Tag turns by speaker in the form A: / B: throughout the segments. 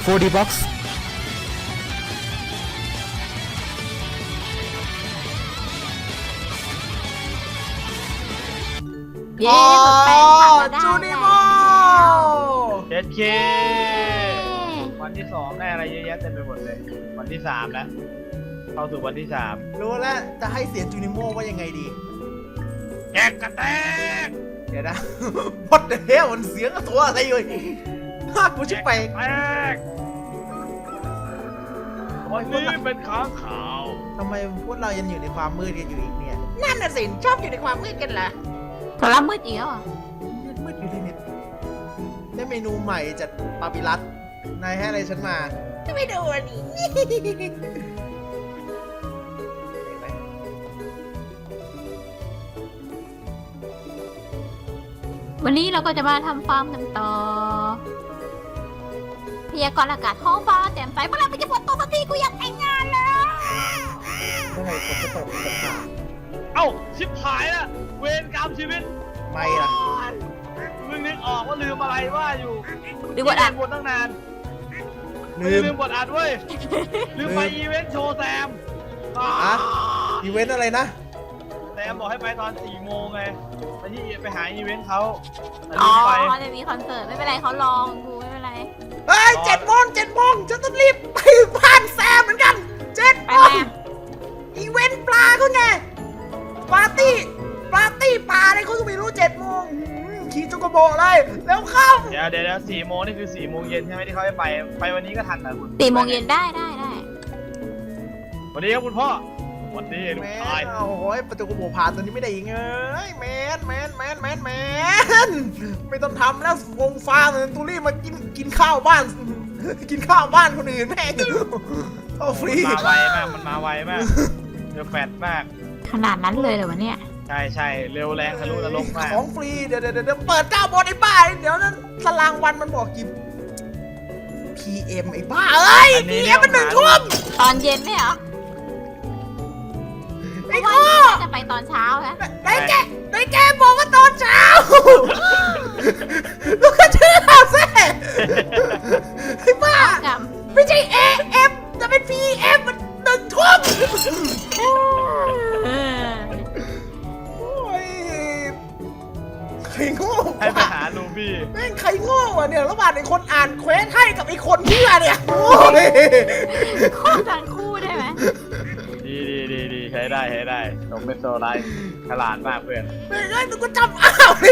A: 4D Box
B: เย้เปิดแปลงผักเราได้
C: จูนิโม
D: เจ็ดเควันที่2ได้อะไรเยอะแยะเต็มไปหมดเลยวันที่3แล้วเข้าสู่วันที่3
C: รู้แล้วจะให้เสียงจูนิโมว่ายังไงดี
D: แจกกระแตก
C: เดี๋ยวนะ What the hell มันเสียงตัวอะไรอยู่ฮะกูชิบไป
D: แตกวันนี้เป็นค้างขาว
C: ทำไมพวกเรายังอยู่ในความมืดกันอยู่อีกเนี่ย นั่นน่ะสิชอบอยู่ในความมืดกันเหรอ
B: โทรศัพท์มืดอีกแล้วเหรอ
C: มืดอยู่เลยเนี่ยได้เมนูใหม่จากปาปิรัสนายให้อะไรฉันมาไม่ดูอันนี้เห็นไหม
B: วันนี้เราก็จะมาทำฟาร์มกันต่อพยากรณ์อากาศท้องฟ้าแจ่มใสเมื่อไหร่มันจะฝนตกสักทีกูอยากแต่งงานแล้ว
C: เมื่อไหร่ฝนจะตกสักที
D: เอ้าชิบหายละเวรกรรมชีวิต
C: ไม่ล่ะ
D: มึงนึกออกว่าลืมอะไรว่าอยู่
B: ดูบทอ่ะ
D: บทตั้งนาน
C: ลืม
D: ลืมบทอัดเว้ยลืมไปอีเวนต์โชว์แซม
C: อะอีเวนต์อะไรนะ
D: แซมบอกให้ไปตอน4 โมงไงไปหาอีเวนต์เขาแต่
B: อ๋
D: ลื
B: อ
D: มไป
B: เขาจะมีคอนเสิร์ตไม่เป็นไรเขาลองกูไม่เป็นไร
C: เฮ้ย7 โมงฉันต้องรีบไปบ้านแซมเหมือนกัน7
B: ไป
C: โม
B: ไหม
C: งอีเวนต์ปลาเขาไงปาร์ตี้ปลาอะไรเขาก็ไม่รู้7 โมงขี่จุกโบะเลยแล้วเข้า
D: เดี๋ยว4 โมงนี่คือ4 โมงเย็นใช่ไหมที่เขาให้ไปวันนี้ก็ทันนะคุณ
B: 4 โมงเย็นได้
D: วันนี้ครับคุณพ่อวันนี้ลู
C: แม
D: กชาย
C: นโอ้โหประตูกระโบผ่านตัวนี้ไม่ได้อีกเอ้ยแมนไม่ต้องทำแล้ววงฟ้าเหมือนตูรี่มากินข้าวบ้าน กินข้าวบ้านคนอื่นแม่งเอาฟรี
D: มันมาไวมากมันมาไวมากเดือดแฟดมาก
B: ขนาดนั้นเลยเหรอวะเนี่ย
D: ใช่เร็วแรงทะลุนรกมาก
C: ของฟรีเดี๋ยวเปิดเจ้าบนไอ้บ้าเดี๋ยวนั้นตารางวันมันบอกกี่ PM ไอ้บ้าเอ้ย PM มัน1 ทุ่ม
B: ตอนเย็นไหมเหรอ
C: ไอ้
B: ว่า
C: โง่
B: น่าจะไปตอนเช้านะ
C: ไอ้แกบอกว่าตอนเช้าลูกกระเชื่อสิไอ้บ้า
B: กับ
C: ไม่ใช่ AM จะเป็น PM มัน1 ทุ่ม
B: เออ
C: โอ้ยใครโง่
D: ให้ไปหาลูบี้
C: แม่งใครโง่วะเนี่ยระหว่างไอ้คนอ่านเควสให้กับไอ้คนเชื่อเนี่ยโอ้ย
B: คู่กันคู่ได้ไหม
D: ดีใช้ได้ตกเป็นโซไลท์ฉลาดมากเพื่อน
C: แม่งเอ้ยกูจำอ้าวเลย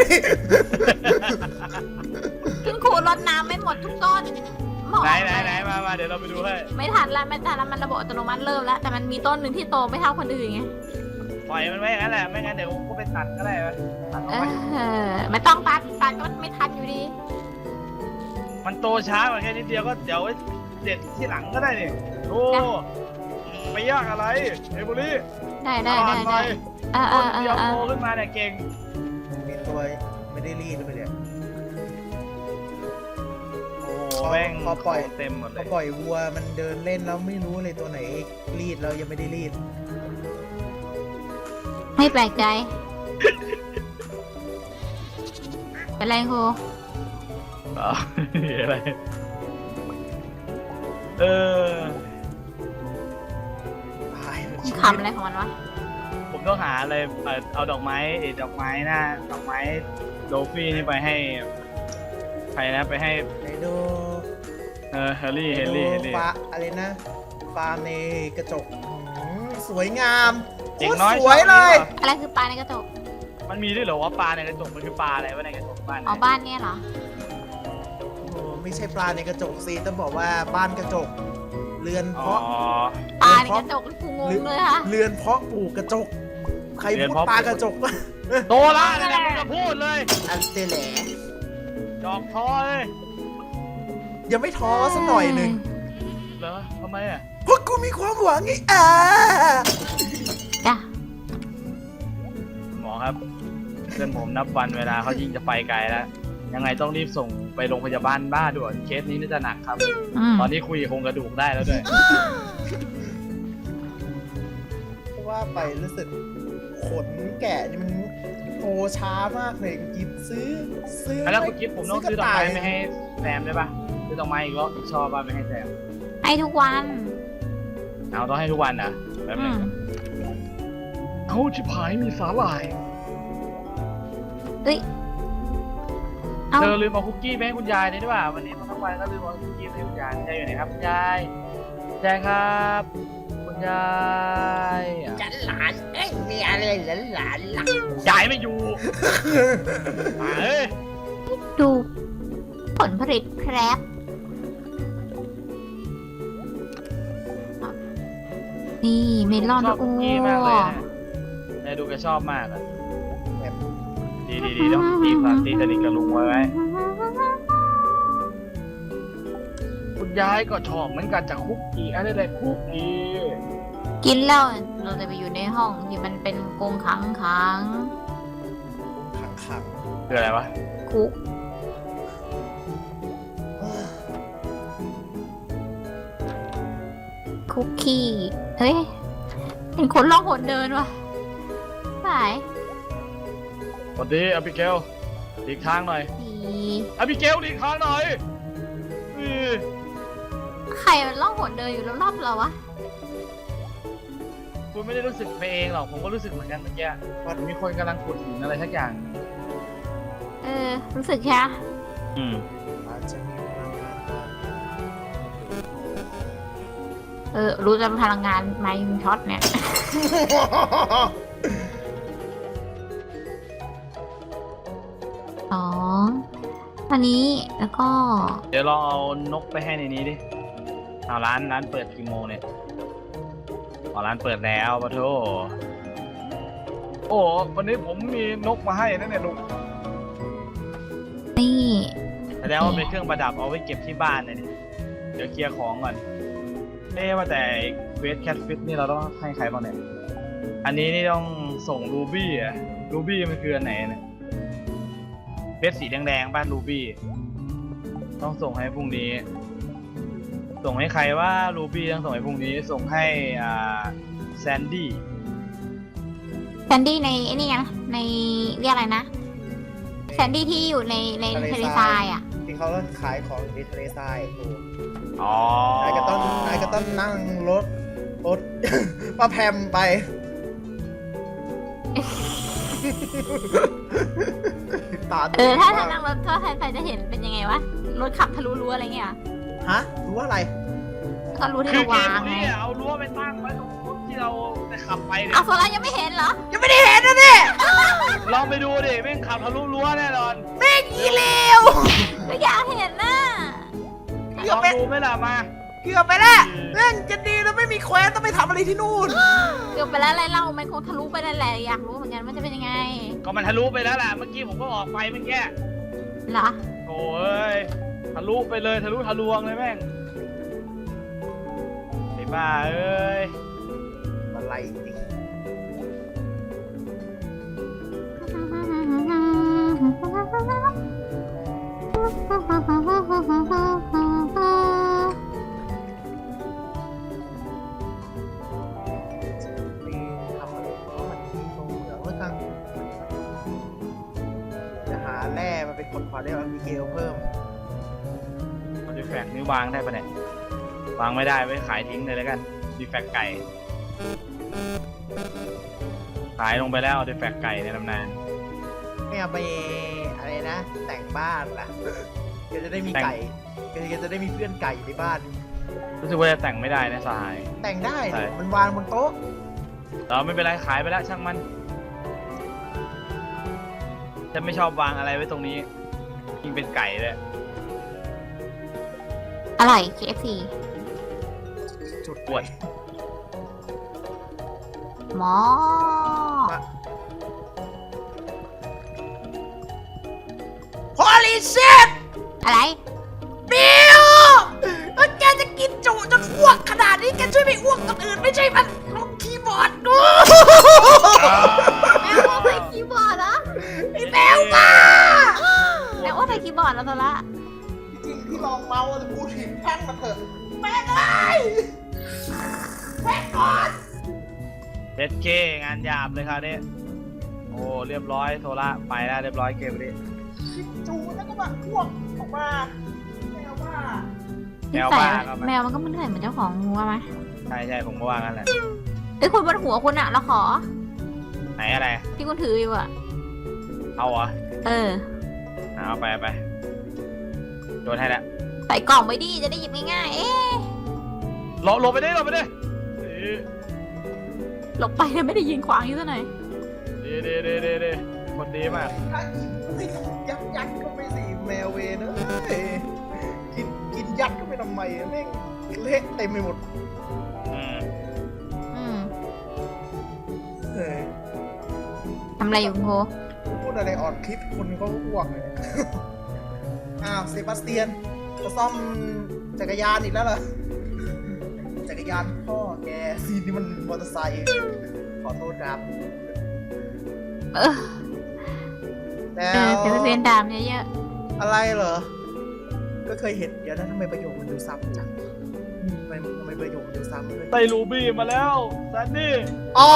B: คุณครูรดน้ำไม่หมดทุกต้นหมอ
D: ไหนมาเดี๋ยวเราไปดูให้
B: ไม่ทันแล้วมันระบบอัตโนมัติเริ่มแล้ว แต่มันมีต้นหนึ่งที่โตไม่เท่าคนอื่นไง
D: ปล่อยมันไว้อย่างนั้นแหละไม่งั้นเดี๋ยวก็ไปตัดก็ได้วะตัดเอาไว้
B: ไม่ต้องตัดก็ไม่ทันอยู่ดี
D: มันโตช้ากว่าแค่นิดเดียวก็เดี๋ยวเด็ดที่หลังก็ได้นี่โอ้ไม่ยากอะไรเอบุลี่
B: ได้
D: หน่อย ต้นเดียวโตขึ้นมาเนี่ยเก่ง
C: มีตัวไม่ได้รีดเลยเนี่ย
D: โอ้แม่งเต็มหมดเล
C: พอย ปล่อยวัวมันเดินเล่นแล้วไม่รู้เลยตัวไหนรีดแล้วยังไม่ได้รีด
B: ไม่แปลกใจ เป็นไรครู
D: อ๋ออะไรเออ
C: ตายมัน
B: คำอะไรของมันวะ
D: ผมต้องหาอะไรเอาดอกไม้ดอกไม้โดฟี่นี่ไปให้ใครนะไปให้
C: ไหนดู
D: เฮลลี่
C: ฟ้าอะไรนะฟาร์มในกระจกสวยงาม
D: เด็กน้อย
C: สวยเลย
B: อะไรคือปลาในกระจก
D: มันมีด้วยเหรอว่าปลาในกระจกมันคือปลาอะไรวะในกระจกบ้าน
B: อ๋อบ้านเนี่ยเหรอ
C: โอ้ไม่ใช่ปลาในกระจกสิต้องบอกว่าบ้านกระจก เรือน
D: อ๋อ
C: เพาะ
B: ปลาในกระจกกูงงเลยค่ะ
C: เรือนเพาะปลูกกระจก ใครพูดปลากระจกวะ
D: โตละเนี่ยมึงจะพูดเลย
C: อันเตแหล
D: ดอกทอเลย
C: ยังไม่ท้อสักหน่อยหนึ่ง
D: เหรอทำไมอ่ะ
C: เพราะกูมีความหวังไง
B: จ้ะ
D: หมอครับเพื่อนผมนับวันเวลาเขายิ่งจะไปไกลแล้วยังไงต้องรีบส่งไปโรงพยาบาลบ้าด่วนเคสนี้น่าจะหนักครับ ตอนนี้คุยโครงกระดูกได้แล้วด้วย
C: ว่าไปรู้สึกขนแกะนี่มันโตช้ามากเลยกินซื้อ
D: แล้วคุณกิฟต์ผมต้องซื้อดอกไม้ไม่ให้แซมได้ปะซื้อดอกไม้อีกรอบอีกชอบบ้านไม่ให้แซม
B: ให้ทุกวัน
D: เอาต้องให้ทุกวันนะแป๊บ
B: อื
D: นึง
B: ม
D: เขาชิบหายมีสาหร่าย
B: เอ้ยเอา
D: เธอลืมเอาคุกกี้ไปให้คุณยายเลยด้วยว่าวันนี้ทั้งวันก็ลืมเอาคุกกี้ไปให้คุณยายคุณยายอยู่ไหนครับคุณยายคุณยายครับคุณยายอ่ะ
C: ฉันหลานเอ้ยมีอะไรหลานหลัก
D: ยายไม่อยู่มาเอ้ย
B: ดูผลผลิตแครบนี่เมลอน
D: ชอบ
B: โอ้
D: คุกกี้มากเลยนะนายดูแกชอบมากอ่ะดีต้องตีสนิทกับลุงไว้ คุณยายก็ชอบเหมือนกันจากคุกกี้อะไรคุกกี้
B: กินแล้วเราจะไปอยู่ในห้องที่มันเป็นกรงขัง
C: ขัง
D: คืออะไรวะ
B: คุกคุกกี้เฮ้ยเห็นคนล่องหนเดินว่ะสาย
D: สวัสดีอบิเกลหลีกทางหน่อย
B: ดี
D: อบิเกลหลีกทางหน่อยอือ
B: ใครมันล่องหนเดินอยู่รอบๆเราวะ
D: คุณไม่ได้รู้สึกไปเองหรอกผมก็รู้สึกเหมือนกันเมื่อกี้ว่ามีคนกำลังขุดหินอะไรสักอย่าง
B: รู้สึกแค่
C: อาจจะมีพลังงานบาง
B: รู้จำพลังงานไมค์ช็อตเนี่ย อันนี้แล้วก็
D: เดี๋ยวลองเอานกไปให้ในนี้ดิเอาร้านเปิดกี่โมงเนี่ยอ๋อร้านเปิดแล้วปะโถโอ้วันนี้ผมมีนกมาให้นะเนี่ยลุง
B: นี่
D: แสดงว่าเป็นเครื่องประดับเอาไว้เก็บที่บ้านเลยนี่เดี๋ยวเคลียร์ของก่อนว่าแต่เวสแคทฟิตนี่เราต้องให้ใครบ้างเนี่ยอันนี้นี่ต้องส่งรูบี้อะรูบี้มันคืออันไหนเนี่ยเวสสีแดงๆบ้านรูบี้ต้องส่งให้พรุ่งนี้ส่งให้ใครว่ารูบี้ต้องส่งให้พรุ่งนี้ส่งให้แซนดี้
B: แซนดี้ในไอ้นี่ไงในเรียกอะไรนะแซนดี้ที่อยู่ในทะเลทรายอ่ะ
C: ที่เขาขายของในทะเลทรายโอ้
D: อ๋อน
C: ายก็ต้องนั่งรถ ป้าแพมไป ตา
B: ถ้านั่งรถก็ใครจะเห็นเป็นยังไงวะรถขับทะลุรั้วอะไรเงี้ย
C: ฮะรู้ว่าอะไร
B: ก็รู้ที่
D: คือ
B: เรา
D: เก
B: วาม งไง
D: นี้เอารั้วไปตั้งไว้ตรงรถที่เราจะขับไปเนี่ย
B: เอาโซล่ายังไม่เห็นเหรอ
C: ยังไม่ได้เห็นนะเนี่ย
D: ลองไปดูดิแม่งขับทะลุรั้วแน่นอน
C: แม่งอีเลว
B: ก็อยากเห็นน่ะ
D: ลองดูไหมล่ะมา
C: เกือบไปแล้วแม่งจะดีแล้วไม่มีแควนต้องไปทำอะไรที่นู่น
B: เกือบไปแล้วอะไรเล่ามันคงทะลุไปนั่นแหละอยากรู้เหมือนกันว่าจะเป็นยังไง
D: ก็มันทะลุไปแล้วแหละเมื่อกี้ผมก็ออกไปเมื่อกี้
B: เหรอ
D: โอ้ยทะลุไปเลยทะลุทะลวงเลยแม่งไอ้บ้าเอ้ย
C: อะไรจริงทำอะไรเพราะมันมีตรงเหมืองแล้วกันจะหาแร่มาเป็นคนขอได้มิเกลเพิ่ม
D: เอาดีแฟกต์นี่วางได้ปะเนี่ยวางไม่ได้ไว้ขายทิ้งเลยแล้วกันดีแฟกต์ไก่ขายลงไปแล้วดีแฟกต์ไก่ในตำนาน
C: ไม่เอาไปอะไรนะ แต่งบ้านล่ะแกจะได้มีไก่แกจะได้มีเพื่อนไก่ในบ้าน
D: รู้สึกว่าจะแต่งไม่ได้นะสหาย
C: แต่งได้
D: ใช่
C: มันวางบนโต๊ะ
D: เราไม่เป็นไรขายไปแล้วช่างมันฉันไม่ชอบวางอะไรไว้ตรงนี้ยิ่งเป็นไก่เลย
B: อร่อย KFC
C: จุด
D: ปวด
B: หมอ
C: ฮอลลีเชิต
B: อะไร
C: บิวแล้วแกจะกินจุจนอ้วกขนาดนี้แกช่วยไม่อ้วกคนอื่นไม่ใช่มันลงคีย์บอร์ดดู
B: แมวว่าใส่คีย์บอร์ดเหรอ
C: ไอ้แมวมา
B: แมวว่าใส่คีย์บอร์ดแล้วโซล่า
C: จริงที่ลองเมาแต่พูดผิดแท่งมาเถอะแม่งเลยแม่งก่อน
D: เด็ดเคงานหยาบเลยครับเนี่ยโอ้เรียบร้อยโทระไปแล้วเรียบร้อยเกมนี้
C: จูแล้วก็มาอ้วกออกมาแมวมา
D: แมวบ้าก็
B: แมวมันก็ไม่เหนื่อยเหมือนเจ้าของงูไหม
D: ใช่ใช่ผมก็ว่างั้นแหละ
B: เอ้ยคุณบนหัวคุณอะเราขอ
D: ไหนอะไร
B: ที่คุณถืออยู่อะ
D: เอาเหรอ
B: เออ
D: เอาไปโดนให้แล้ว
B: ใส่กล่องไว้ดิจะได้หยิบง่ายๆ เอ๊ะ
D: หลบไปดิเ
B: หลบไปเนี่ยไม่ได้ยิงขวางอยู่ซะหน่อย
D: ดีคนดีมาก
C: ถ้ายัดก็ไม่สิแมวเวนะกินยัดก็ไม่ทำไมแม่งเละเต็มไปหมด
D: อืม
B: อืม
C: เออ
B: ทำอะไรอยู่คุณโพ
C: พูดอะไรอ่อนคลิปคนเขาอ้วกเลย อ้าวเซบาสเตียนจะซ่อมจักรยานอีกแล้วเหรอจักรยานพ่อแกซีนนี่มันมอเตอร์ไซค์ขอโทษครับ
B: เออ
C: แล้
B: เออ
C: ว
B: เดี๋ยวเรียนดามเยอะ
C: อะไรเหรอ ก็เคยเห็นเดี๋ยวนะทำไมประโยคมันดูซ้ำจังทำไมประโยคมันดูซ้ำเลย
D: ไต่รูบี้มาแล้วแซนดี้
C: อ๋อ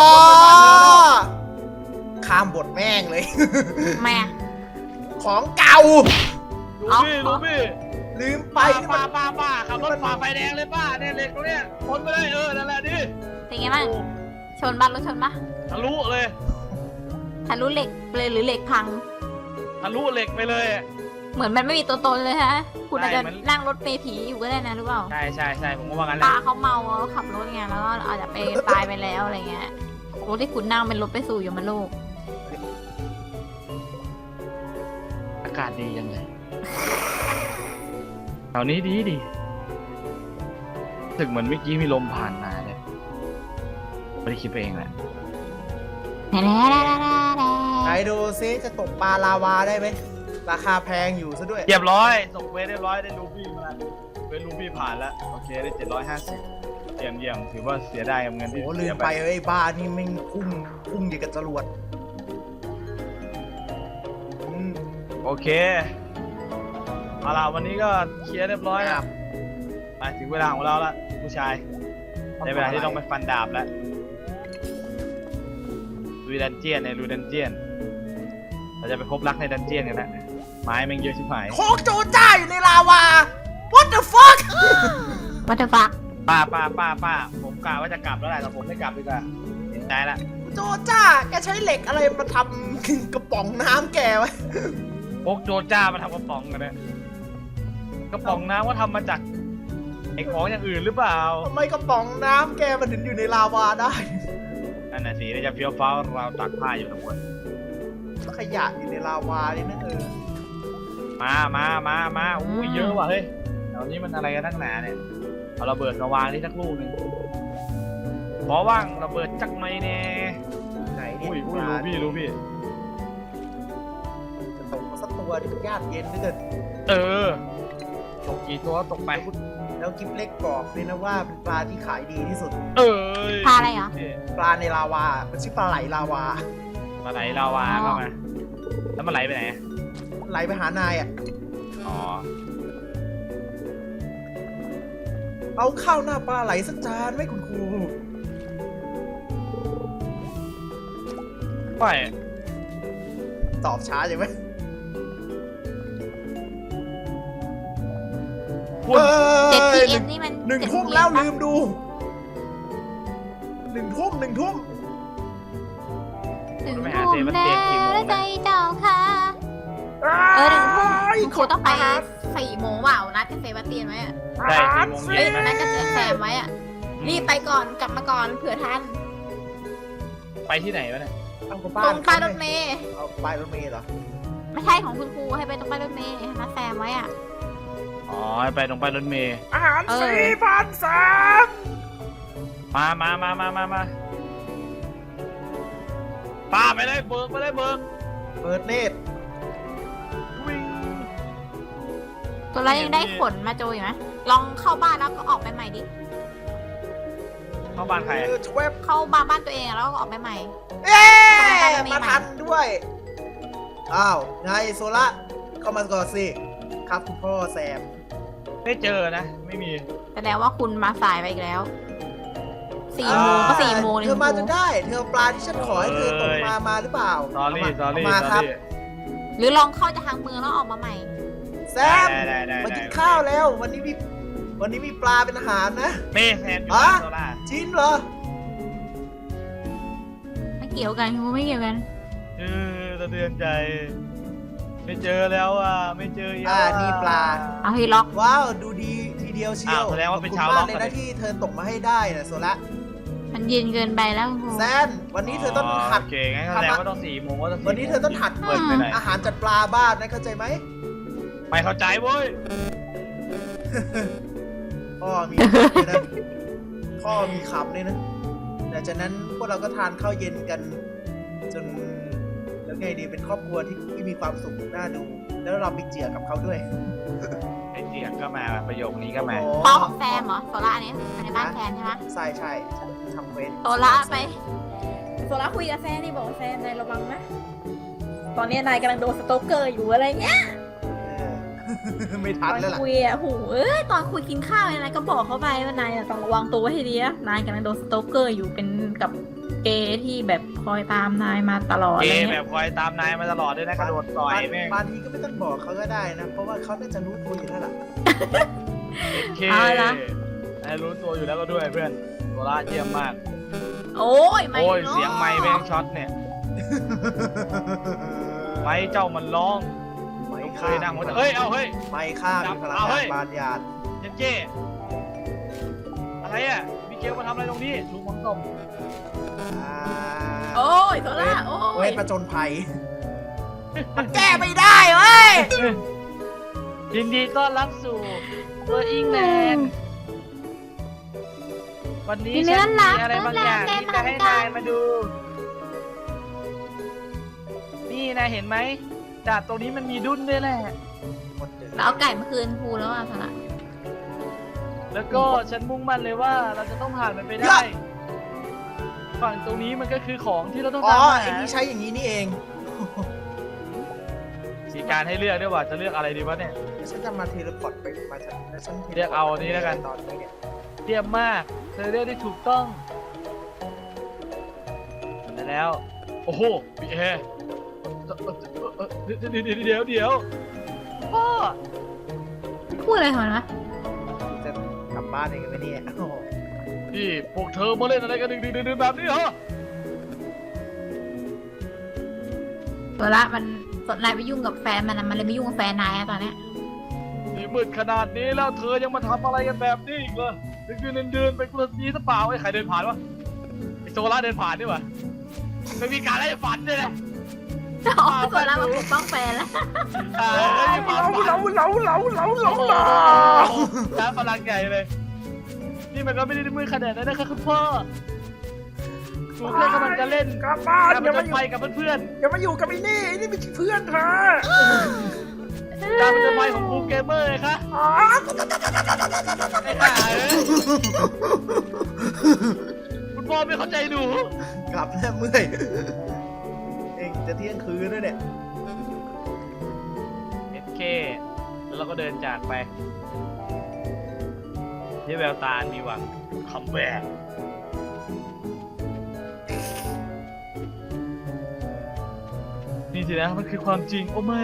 C: ข้ามบทแม่งเลย
B: ๆแม่
C: ของเก่า
D: รูบี้
C: ลืมไปนี่มัน
D: ป้าขับรถฝ่าไฟแดงเลยป้าเนี่ยเหล็กตรงเนี้ยพ้นไปเลยนั่นแหละดิ
B: เป็นไงบ้างชนบ้านรถชนปะ
D: ทะลุเลย
B: ทะลุเหล็กเลยหรือเหล็กพัง
D: ทะลุเหล็กไปเลย
B: เหมือนมันไม่มีตัวตนเลยฮะ คุณอาจจะ
D: ใช่มัน
B: นั่งรถเมล์ผีอยู่ก็ได้นะรู้เปล่า
D: ใช่ผมก็ว่างั้นแห
B: ตา
D: ละ
B: เขาเมาขับรถไงแล้วก็อาจจะไปตายไปแล้วอะไรเงี้ยรถที่คุณนั่งเป็นรถไปสู่ยมโลก
D: อากาศดียังเลยแถวนี้ดีรู้สึกเหมือนเมื่อกี้มีลมผ่านมาเลยไม่ได้คิดไปเองแหละ
C: ไหนดูซิจะตกปลาลาวาได้ไหมราคาแพงอยู่ซะด้วย
D: เรียบร้อยส่งเวทเรียบร้อยได้รูบี้มาแล้วเวทรูบี้ผ่านแล้วโอเคได้750เยี่ยมถือว่าเสียได้กับเงินที่
C: โอ้ลื
D: เสี
C: ม
D: ย
C: ไปไอ้บ้านี่แม่งพุ่งอย่างกับจรวดอืม
D: โอเคเอาล่ะวันนี้ก็เคลียร์เรียบร้อยแล้วมาถึงเวลาของเราละผู้ชายในเวลาที่ต้องไปฟันดาบแล้วลุยดันเจียนในลุยดันเจียนเราจะไปพบรักในดันเจียนกันนะไม้แม่งเยอะชิบหาย
C: โคกโจจ้าอยู่ในลาวา what the fuck
B: วัตถุฟัก
D: ป้าผมกะว่าจะกลับแล้วแหละแต่ผมไม่กลับดีกว่าเห็นใจละ
C: โจจ้าแกใช้เหล็กอะไรมาทำกระป๋องน้ำแกไว้
D: พกโจจ้ามาทำกระป๋องกันเนี่ยกระป๋องน้ำว่าทำมาจากไอ้ของอย่างอื่นหรือเปล่า
C: ทำไมกระป๋องน้ำแกมันถึงอยู่ในลาวาได้
D: นั่นน่ะสิได้จะเฟี้ยวฟ้าวเราวตักผ้าอยู่ทั้งหมด
C: แล้วขยะอยู่ในลาวาเลยนะ
D: มาอุ้ยเยอะว่ะเฮ้ยแถวนี้มันอะไรกันนักหนาเนี่ยเอาระเบิดมาวางที่สักลูกหนึ่งขอว่างระเบิดจักไหมเนี่ย
C: ไหนเนี่ย
D: อุ้ยรู้พี่
C: จะตกมาสักตัวที่ญาติเย็นเหลือเกิน
D: ตกกี่ตัวตกไป
C: แล้วกิฟเล็กบอกเลยนะว่าเป็นปลาที่ขายดีที่สุด
B: ปลาอะไรเหรอ
C: ปลาในลาวา มันชื่อปลาไหลลาวา
D: มาไหลลาวาเข้ามาแล้วมันไหลไปไหน
C: ไหลไปหานายอ่ะ
D: อ๋อ
C: เอาข้าวหน้าปลาไหลสักจานไหมคุณครู
D: ไม่
C: ตอบช้าใช่ไหม
D: คุณ
B: 7PM นี่มัน
C: หนึ่ง
B: 7
C: ทุ่ม
B: PM
C: แล้ว
B: ปะ
C: ลืมดูหนึ่งทุ่ม
B: ถึงทุ่ม
D: ไปหาเซบัสเตียนกี่โมง
B: แล้วใจ
D: นะ
B: เจ้าค่ะ1 ทุ่มคุณต้องไป4 โมงเปล่านัดกับเซบาสเตียนไว้อะ
D: ใช่4 โมง
B: เอ้
D: เย็
B: ย
D: น
B: นั
D: นะ
B: ดกับแซมไว้อะรีบไปก่อนกลับมาก่อนเผื่อทัน
D: ไปที่ไหนวะเนี่ย
C: เอากับ
B: ต
C: บ้า
B: ร
C: น
B: งป้ายรถเมย์
C: เอาป้ายรถเมล์เหรอ
B: ไม่ใช่ของคุณครูให้ไปตรงป้ายรถเมย์นัดแซมไว้อะ
D: อ๋อไปตรงไปรถเมย์
C: อาหาร
B: เออ
C: 4,300
D: มาป้าไปเลยเบิกไปเลยเบิก
C: เปิดเนตร
D: วิ่ง
B: ตัวเรายังได้ขนมาโจอยู่ไหมลองเข้าบ้านแล้วก็ออกไปใหม่ดิ
D: เข้าบ้านใคร
C: ชเวบ
B: เข้าบ้านตัวเองอะแล้วก็ออกไปใหม่
C: เอ๊
B: ไปรถเมล์
C: มาทันด้วย อ้าวไงโซล่าเข้ามาก่อนสิ ครับคุณพ่อแซม
D: ไม่เจอนะไม่มี
B: แสดงว่าคุณมาสายไปอีกแล้ว4 โมงก็4 โมงเลย
C: เธ
B: คุ
C: อ
B: ณ
C: มา
B: ค
C: จ
B: รู
C: นได้ เธอปลาที่ฉันขอให้เธอตกมาหรือเปล่า
D: สอรี่
C: เอามาครับ
B: หรือลองเข้าจากทางเมืองแล้วออกมาใหม่
C: แซมมากินข้าวแล้ว วันนี้มีปลาเป็นอาหารนะ
D: เม่แซมอยู่บ้านโซล่า
C: จริงเหรอ
B: ไม่เกี่ยวกันครูไม่เกี่ยวกัน
D: สะเทือนใจ ไม่เจอแล้วอ่ะไม่เจอ
C: นี่ปลา
B: เอาให้ล็อก
C: ว้าวดูดีทีเดียวเชียว
D: แสดงว่าเป็น
C: ข
D: ชาว
C: อบ
D: ล็
C: คุ
D: อก
C: ณมากเลยนะที่เธอตกมาให้ได้นะโซละ
B: มันเย็นเกินไปแล้วครู
C: แซนวันนี้เธอต้องหัด
D: โอเคงั้นแสดงว่าต้อง4 โมงว่าต้อง4
C: วันนี้เธอต้องหัด
D: เปิดไปไหน
C: อาหารจัดปลาบ้านนะเข้าใจไหม
D: ไม่เข้าใจเว้ย
C: พ่อมีคำเลยนะพ่อมีคำเลยนะหลังจากนั้นพวกเราก็ทานข้าวเย็นกัน จนแล้วไงดีเป็นครอบครัวที่มีความสุขน่าดู แล้วเราไปเจียกับเขาด้วย
D: ไอ้เจียกก็มาประโยคนี้ก็มา
C: โอ้
B: พ่อของแซมเหรอโซล่าเนี่ยในบ้านแซมใช่ไหม
C: ใช่ใช่ฉันทำเวร
B: โซล่าไป
A: โซล่าคุยกับแซนนี่บอกว่าแซนนายระวังนะตอนนี้นายกำลังโดนสโตกเกอร์อยู่อะไรเงี้ย
C: เออ ไม่
A: ต
C: ทัน
A: อน
C: แล้วล่ะ
A: คุยอ่ะหูตอนคุยกินข้าวเนี่ยนายก็บอกเขาไปว่านายอะต้องระวังตัวไว้ให้ดีนะนายกำลังโดนสโตกเกอร์อยู่เป็นกับเกย์ที่แบบคอยตามนายมาตลอด
D: เก
A: อะไร
D: ย์แบ
A: เงี้
D: บ
A: ย
D: คอยตามนายมาตลอดด้วยนะกระโดดต่อยแม่ง
C: บางทีก็ไม่ต้องบอกเขาก็ได้นะ เพราะว่าเขาน่าจะรู้ตัวอยู่แล้วล่ะ
D: โอเคนายรู้ตัวอยู่แล้วก็ด้วยเพื่อนโซล่าเยี่ยมมาก
A: โอ้ยไม่
D: โอ้ย
A: เนาะ
D: เสียงไม้แม่งช็อตเนี่ย ไม้เจ้ามันร้อง
C: ไม่
D: เค
C: ข้าย
D: นั่งหัวเฮ้ยเอาเฮ้ย
C: ไม่ข้ามีพลัง
D: เอาเฮ้
C: งาน
D: ย
C: บานยาน
D: เจนเจ้อะไรอ่ะมิเกลมาทำอะไรตรงนี้ลุงมังต้ม
C: อ่า
A: โอ้ยโซล่าโอ้
C: เวย ทประจนภัยมันแก้ไม่ได้เว้ย
D: ยินดีต้อนรับสู่เวอร์อิงแลนด์วันนี้ฉันมีอะไรบางอย่างที่จะให้นายมาดู นี่นายเห็นไหมดาบตรงนี้มันมีดุ้นด้วยแหละ
B: แล้วเอาไก่มาคืนครูแล้วอ่ะโซล่า
D: แล้วก็ฉันมุ่งมั่นเลยว่าเราจะต้องผ่านมันไปได้ ฝั่งตรงนี้มันก็คือของที่เราต้อง
C: อ๋อ
D: ตามหา
C: ไอ้นี่ใช้อย่างนี้นี่เอง
D: สีการให้เลือกด้วยว่าจะเลือกอะไรดีวะเนี่ย
C: ฉันจะมาเทเลพอร์ตไปมาฉันแล้วฉัน
D: เรียกเอาอันนี้แล้วกัน
C: ตอนนี้เนี่ย
D: เยี่ยมมากเธอเลือกได้ถูกต้องแต่แล้ว โอ้โหพี่แอร์เดี๋ยวพ่อ
B: พูดอะไรของมันวะ
C: จะกลับบ้านเองไหมเนี่ยโอ้โห
D: นี่พวกเธอมาเล่นอะไรกันดึกแบบนี้เหรอ
B: โซล่ามันสนนายไปยุ่งกับแฟนมันอะมันเลยไม่ยุ่งกับแฟนนายอะตอนเนี้ย
D: นี่มืดขนาดนี้แล้วเธอยังมาทำอะไรกันแบบนี้อีกเหรอเดินไปกุลสีหรือเปล่าไอ้ใครเดินผ่านวะไอ้โซล่าเดินผ่านนี่วะไม่มีการไล่ฝันด้วยนะ
B: อ๋อโซล่ามาปกป้องแฟนแล้ว
D: ช้าพลังใหญ่เลย นี่มันก็ไม่ได้มือขนาดนั้นนะครับคุณพ่อหนูแค่กำลังจะเล่น
C: กลับบ้าน
D: การผจญภัยกับเพื่อน
C: อย่ามาอยู่กับไอ้นี่ไอ้นี่เป็นเพื่อนเธอ
D: ๆการผจญภัยของบูเกมเมอร์ไงคะไอ้ห่าเอ้ยคุณพ่อไม่เข้าใจหนู
C: กลับแล้วเมื่อยเองจะเที่ยงคืนแล้วเนี่ย
D: เคแล้วเราก็เดินจากไปที่แววตามีหวังคัมแบ็กนี่สินะมันคือความจริงโอ้ไม่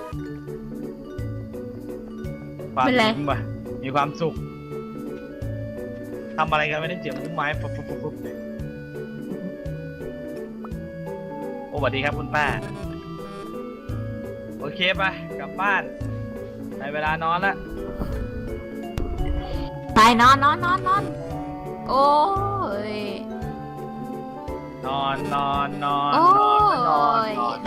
D: ความจริงว่ะมีความสุขทำอะไรกันไม่ได้เสียงมุ้งไม้ปุ๊บโอ้สวัสดีครับคุณป้าโอเคไปกลับบ้านในเวลานอนแล้ว
B: ไปนอนโอ้ย
D: นอน
B: โอ้ย
D: นอน
C: โอ้
B: นอน
C: ย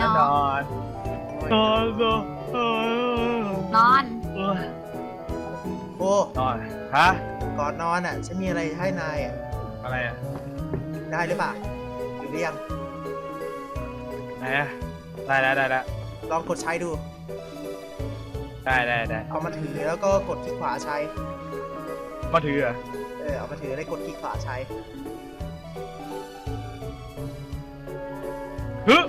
C: โอ้
D: นอนฮะ
C: ก่อนนอนอ่ะฉันมีอะไรให้นายอ่ะ
D: อะไรอ่ะ
C: ได้หรือเปล่าหรือยัง
D: ไหนอ่ะได้แล้ว
C: ลองกดใช้ดู
D: ได้
C: เอามาถือแล้วก็กดคลิกขวาใช้
D: มาถืออ่ะ
C: เอามาถือแล้วกดคลิกขวาใช้
D: ฮึ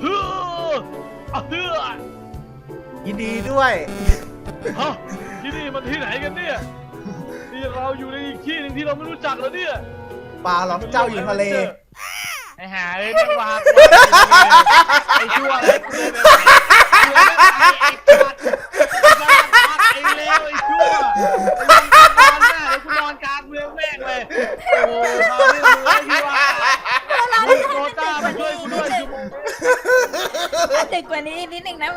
C: ยินดีด้วย
D: ฮะที่นี่มันที่ไหนกันเนี่ยนี่เราอยู่ในอีกที่หนึ่งที่เราไม่รู้จักแล้วเนี่ย
C: ปลาหลอกเจ้าอยู่ทะเล
D: ไอ้ห่าเอ้ยแม่งวางไอ้ชั่วเลยกูเลยไอ้ชั่ว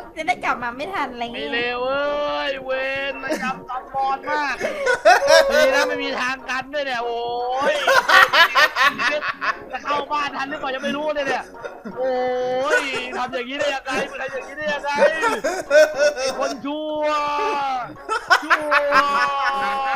A: จะได้กลับมาไม่ทันอะไร
D: ไม่
A: เงี้ย
D: เร็วเอ้ยเวนระยำตำบอดมากดีนะไม่มีทางกันด้วยเนี่ยโอ้ยจะเข้าบ้านทันหรือเปล่ายังไม่รู้เลยเนี่ยโอ้ยทำอย่างนี้ได้ยังไงมันทำอย่างนี้ได้ยังไงไอ้คนชั่ว